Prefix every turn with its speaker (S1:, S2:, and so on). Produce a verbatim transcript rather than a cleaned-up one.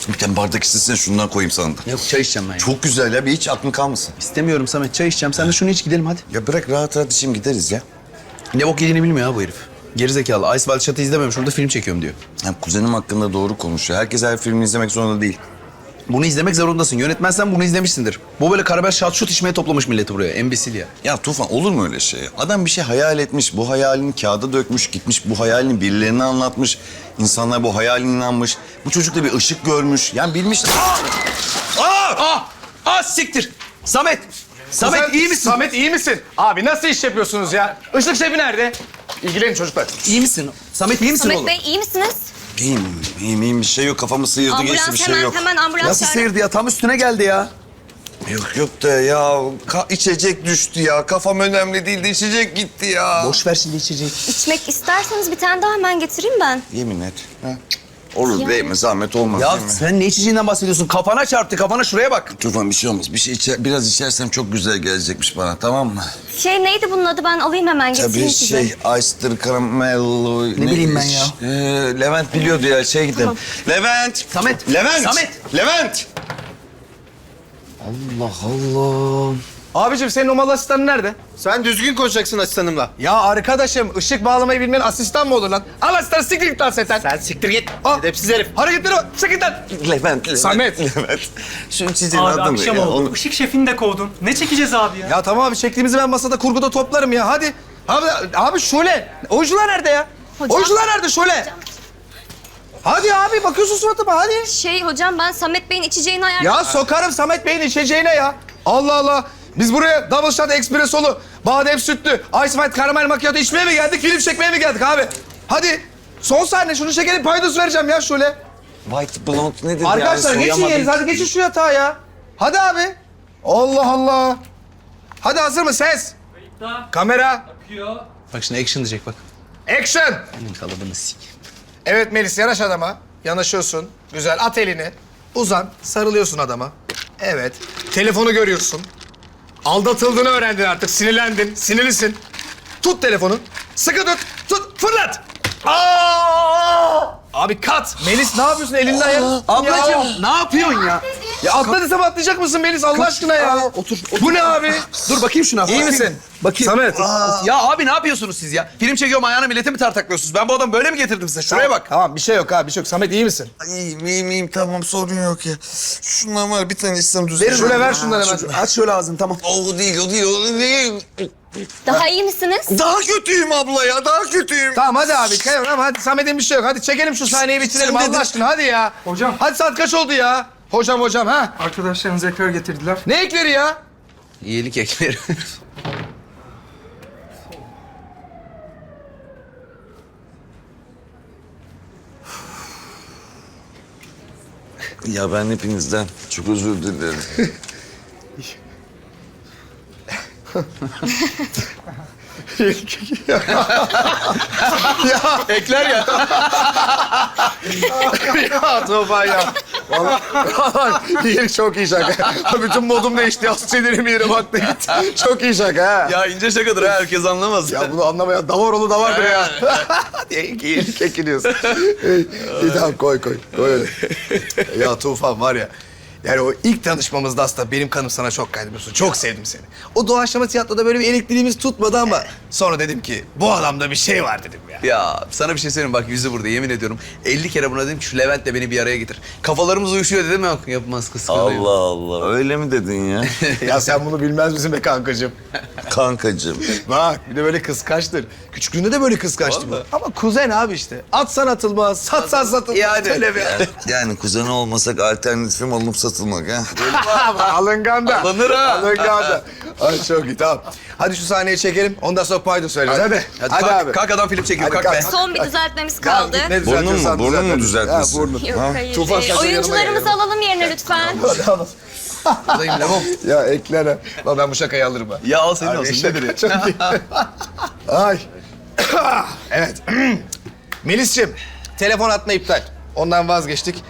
S1: Bir tane bardak istesene şundan koyayım sana da.
S2: Yok çay içeceğim ben ya.
S1: Çok güzel ya, bir hiç aklın kalmasın.
S2: İstemiyorum Samet, çay içeceğim. Sen de şunu iç gidelim hadi.
S1: Ya bırak rahat rahat içeyim gideriz ya.
S2: Ne bok yediğini bilmiyor ha bu herif. Gerizekalı. Ice Wild Shot'ı izlememiş, orada film çekiyorum diyor.
S1: Ya kuzenim hakkında doğru konuşuyor. Herkes her filmi izlemek zorunda değil.
S2: Bunu izlemek zorundasın. Yönetmensen bunu izlemişsindir. Bu böyle Karabel şat şut içmeye toplamış milleti buraya. Embesil ya.
S1: Ya Tufan olur mu öyle şey? Adam bir şey hayal etmiş, bu hayalini kağıda dökmüş, gitmiş bu hayalini birilerine anlatmış. İnsanlar bu hayaline inanmış. Bu çocuk da bir ışık görmüş. Yani bilmiş... Aa! Aa!
S2: Ah! Ah siktir! Samet! Samet
S3: Sen-
S2: iyi misin?
S3: Samet iyi misin? Abi nasıl iş yapıyorsunuz ya? Işık şefi nerede? İlgilenin çocuklar.
S2: İyi misin? Samet iyi misin
S4: Samet
S2: oğlum?
S4: Bey iyi misiniz?
S1: İyiyim, iyiyim, iyiyim. Bir şey yok. Kafamı sıyırdı, geçti bir
S4: Ambulans
S1: şey
S4: hemen
S1: yok.
S4: hemen ambulans
S2: Nasıl
S4: çağırın.
S2: seyirdi ya? Tam üstüne geldi ya.
S1: Yok yok da ya ka- içecek düştü ya. Kafam önemli değildi, içecek gitti ya.
S2: Boş ver şimdi içeceği.
S4: İçmek isterseniz bir tane daha hemen getireyim ben.
S1: Yemin et. Ha? Olur
S4: Ya.
S1: değil mi? Zahmet olmaz
S2: Ya
S1: değil mi?
S2: sen ne içeceğinden bahsediyorsun? Kafana çarptı, kafana şuraya bak.
S1: Tufan bir şey olmaz. Bir şey içer, biraz içersem çok güzel gelecekmiş bana, tamam mı?
S4: Şey neydi bunun adı, ben alayım hemen getireyim
S1: Tabii
S4: size.
S1: şey, Ice'dır, karamello...
S2: Ne bileyim ben ya?
S1: Ee, Levent biliyordu ya, şey gidelim.
S4: Tamam.
S1: Levent!
S2: Samet!
S1: Levent!
S2: Samet!
S1: Levent!
S2: Allah Allah.
S3: Abicim senin o mal asistanın nerede?
S5: Sen düzgün konuşacaksın asistanımla.
S3: Ya arkadaşım ışık bağlamayı bilmeyen asistan mı olur lan? Al asistan siktir git lan seten.
S5: Sen siktir git.
S3: Al.
S5: Edepsiz herif.
S3: Hareketleri bak. Çık git lan.
S1: Levent, Levent.
S3: Samet.
S1: Levent. Şu içeceğin
S6: Abi
S1: adı mı
S6: akşam
S1: ya?
S6: oldu.
S1: Onu-
S6: Işık şefini de kovdun. Ne çekeceğiz abi ya?
S3: Ya tamam abi çektiğimizi ben masada kurguda toplarım ya hadi. Abi, abi Şule. Oyuncular nerede ya?
S4: Hocam.
S3: Oyuncular nerede Şule? Hadi abi bakıyorsun suratıma hadi.
S4: Şey hocam, ben Samet Bey'in içeceğini ayar...
S3: Ya sokarım Samet Bey'in içeceğine ya. Allah Allah. Biz buraya double shot espressolu, badem sütlü, ice white karamel macchiato içmeye mi geldik, film çekmeye mi geldik abi? Hadi. Son sahne şunu çekelim paydos vereceğim ya şöyle.
S1: White blonde nedir
S3: Arkadaşlar
S1: ya?
S3: geçin
S1: Soyamadım.
S3: yerinize hadi geçin şu yatağa ya. Hadi abi. Allah Allah. Hadi hazır mı ses? Kamera.
S2: Bak şimdi action diyecek bak.
S3: Action.
S2: Benim kalıbını sik.
S3: Evet Melis yanaş adama. Yanaşıyorsun. Güzel at elini. Uzan. Sarılıyorsun adama. Evet. Telefonu görüyorsun. Aldatıldığını öğrendin artık. Sinirlendin. Sinirlisin. Tut telefonu. Sıkı tut. Tut. Fırlat. Aa! Abi kat. Melis ne yapıyorsun elinden ya?
S2: Ablacığım ne yapıyorsun ya?
S3: Ya atla desem atlayacak mısın Melis Allah aşkına ya?
S2: Aa, otur, otur.
S3: Bu ne abi?
S2: Dur bakayım şuna.
S3: İyi
S2: Bakayım.
S3: misin?
S2: Bakayım.
S3: Samet.
S2: Ya abi ne yapıyorsunuz siz ya? Film çekiyorum ayağına millete mi tartaklıyorsunuz? Ben bu adamı böyle mi getirdim size? Şuraya bak.
S3: Tamam bir şey yok abi bir şey yok. Samet iyi misin?
S1: Ay, İyiyim, iyiyim, iyiyim. Tamam sorun yok ya. Şundan var bir tane içsem düzelir.
S3: Verin şöyle ver şundan hemen.
S2: Aç şöyle ağzını tamam.
S1: O değil, o değil, o değil.
S4: Daha iyi misiniz?
S1: Daha kötüyüm abla ya, daha kötüyüm.
S3: Tamam hadi abi. Kayın ama hadi Samet'in bir şey yok. Hadi çekelim şu sahneyi bitirelim
S1: Sen
S3: Allah
S1: dedin.
S3: aşkına hadi ya.
S6: Hocam.
S3: Hadi saat kaç oldu ya? Hocam hocam ha?
S6: Arkadaşlarınız ekler getirdiler.
S3: Ne ekleri ya?
S2: İyilik ekleri.
S1: Ya ben hepinizden çok özür dilerim.
S2: Ekler ya.
S3: Ya Tufan ya. Vallahi iyi, çok iyi şaka. Bütün modum değişti. Az sinirim yere baktı gitti. Çok iyi şaka ha.
S2: Ya ince şakadır ha herkes anlamaz.
S3: Ya bunu anlamayan davar da vardır ya. İyilik ekiliyorsun. İyi, iyi tamam koy koy. Koy öyle. Ya Tufan var ya. Yani o ilk tanışmamızda aslında benim kanım sana çok kaydı biliyorsun. Çok sevdim seni. O doğaçlama tiyatroda böyle bir elektriğimiz tutmadı ama sonra dedim ki bu adamda bir şey var dedim ya.
S2: Ya sana bir şey söyleyeyim bak yüzü burada yemin ediyorum. elli kere buna dedim ki şu Levent'le beni bir araya getir. Kafalarımız uyuşuyor dedim yok yapmaz kıskanıyor.
S1: Allah Allah, öyle mi dedin ya?
S3: Ya sen bunu bilmez misin be kankacığım?
S1: Kankacığım.
S3: Bak bir de böyle kıskançtır. Küçüklüğünde de böyle kıskançtı bu. Ama kuzen abi işte. Atsan atılmaz, satsan satılmaz.
S2: Yani.
S3: Öyle bir
S1: Yani kuzeni olmasak alternatifim alınıp satılmak ha.
S3: Alıngan da.
S2: Alınır ha.
S3: Alıngan da. Ay çok iyi tamam. Hadi şu sahneyi çekelim. Ondan sonra paydo söyleriz. Hadi.
S2: Hadi,
S3: Hadi,
S2: kalk,
S3: abi.
S2: kalk adam film çekiyor
S3: Hadi
S2: kalk, be.
S3: kalk.
S4: Son bir düzeltmemiz
S3: Kalk,
S4: kaldı.
S3: git, ne
S1: Burnun mu?
S3: düzeltiyorsan
S1: Burnun mu
S3: düzelt.
S1: düzeltmesin?
S3: Ha, burnun.
S4: Yok
S1: Ha?
S4: hayır.
S3: Tufan,
S4: Ee,
S3: sen şöyle
S4: oyuncularımızı
S3: yanıma
S4: alalım yerine lütfen.
S3: Hadi al.
S2: Buradayım Levon.
S3: Ya eklere. Bak ben bu şakayı alırım ha.
S2: Ya al senin
S3: Abi,
S2: olsun
S3: şaka
S2: nedir ya?
S3: çok iyi. Ay. Evet. Melis'ciğim, telefon atma iptal. Ondan vazgeçtik.